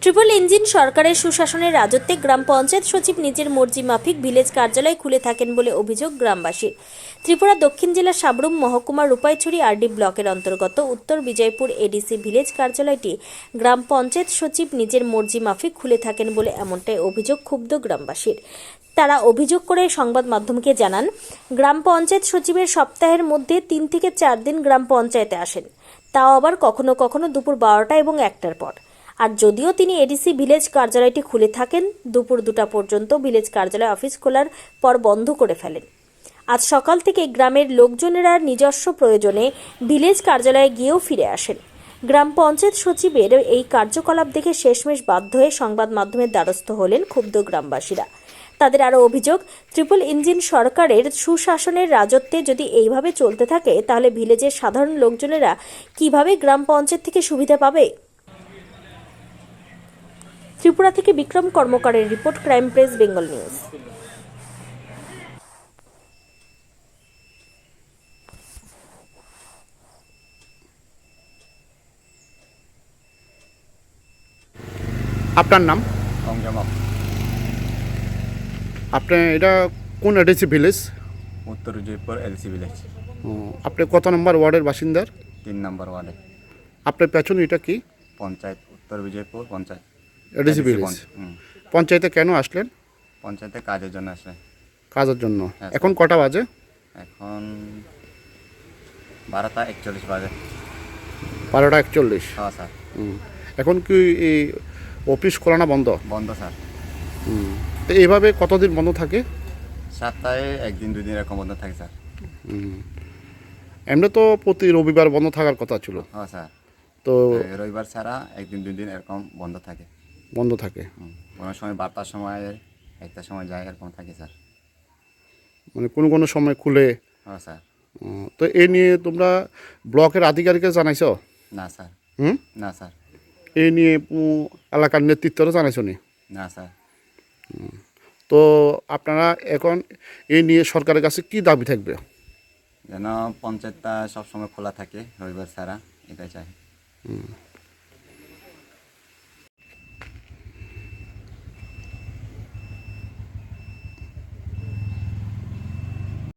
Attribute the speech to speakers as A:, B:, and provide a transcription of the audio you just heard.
A: Triple engine সরকারের সুশাসনের রাজত্বে গ্রাম পঞ্চায়েত সচিব নিজের মর্জি মাফিক ভিলেজ কার্যালয় খুলে থাকেন বলে অভিযোগ গ্রামবাসীর। ত্রিপুরা দক্ষিণ জেলার সাবরুম মহকুমার রূপাইছড়ি আরডি ব্লকের অন্তর্গত উত্তর বিজয়পুর এডিসি ভিলেজ কার্যালয়টি গ্রাম পঞ্চায়েত সচিব নিজের মর্জি মাফিক খুলে থাকেন বলে এমনটাই অভিযোগ ক্ষুব্ধ গ্রামবাসীর। তারা অভিযোগ করে সংবাদ মাধ্যমকে জানান, গ্রাম পঞ্চায়েত সচিবের সপ্তাহের মধ্যে 3 থেকে 4 দিন গ্রাম পঞ্চায়েতে আসেন, তাও আবার কখনো কখনো দুপুর 12টা এবং 1টার পর। আর যদিও তিনি এডিসি ভিলেজ কার্যালয়টি খুলে থাকেন, দুপুর 2টা পর্যন্ত ভিলেজ কার্যালয় অফিস খোলার পর বন্ধ করে ফেলেন। আজ সকাল থেকে গ্রামের লোকজনেরা নিজস্ব প্রয়োজনে ভিলেজ কার্যালয়ে গিয়েও ফিরে আসেন। গ্রাম পঞ্চায়েত সচিবের এই কার্যকলাপ দেখে শেষমেশ বাধ্য হয়ে সংবাদ মাধ্যমের দ্বারস্থ হলেন ক্ষুব্ধ গ্রামবাসীরা। তাদের আরও অভিযোগ, ট্রিপল ইঞ্জিন সরকারের সুশাসনের রাজত্বে যদি এইভাবে চলতে থাকে, তাহলে ভিলেজের সাধারণ লোকজনেরা কিভাবে গ্রাম পঞ্চায়েত থেকে সুবিধা পাবে। ত্রিপুরা থেকে বিক্রম কর্মকারের report, crime press Bengal news.
B: আপনার নাম?
C: অংজামক
B: আপনি এটা কোন এডিসি ভিলেজ?
C: উত্তর জয়পুর এলসি ভিলেজ,
B: আপনি কত নম্বর ওয়ার্ডের বাসিন্দার?
C: 3 নম্বর ওয়ার্ডে।
B: আপনার পেছনে এটা কি?
C: পঞ্চায়েত, উত্তর বিজয়পুর পঞ্চায়েত
B: এডিসি ভিলেজ। পঞ্চায়েতে কেন আসলেন?
C: পঞ্চায়েতে কাজের জন্য আসলে।
B: কাজের জন্য।
C: হ্যাঁ,
B: এখন কটা বাজে?
C: এখন 12টা 41 বাজে।
B: 12টা 41।
C: হ্যাঁ স্যার।
B: এখন কি এই অফিস খোলা না বন্ধ?
C: বন্ধ স্যার।
B: তো এইভাবে কতদিন বন্ধ থাকে?
C: সপ্তাহে 1 দিন 2 দিন এরকম বন্ধ থাকে স্যার।
B: এমনি তো প্রতি রবিবার বন্ধ থাকার কথা ছিল।
C: হ্যাঁ স্যার।
B: তো
C: রবিবার ছাড়া 1 দিন 2 দিন এরকম বন্ধ থাকে।
B: বন্ধ থাকে।
C: কোনো সময় 12টার সময় 1টার সময় যায়, এরকম থাকে স্যার।
B: মানে কোনো কোনো সময় খুলে।
C: হ্যাঁ স্যার।
B: তো এই নিয়ে তোমরা ব্লকের আধিকারিককে জানাইছো?
C: না স্যার। না স্যার।
B: এই নিয়ে এলাকার নেতৃত্বরা জানাইছো নি?
C: না স্যার।
B: তো আপনারা এখন এই নিয়ে সরকারের কাছে কি দাবি থাকবে?
C: যেন পঞ্চায়েতটা সবসময় খোলা থাকে রবিবার ছাড়া, এটাই চাই।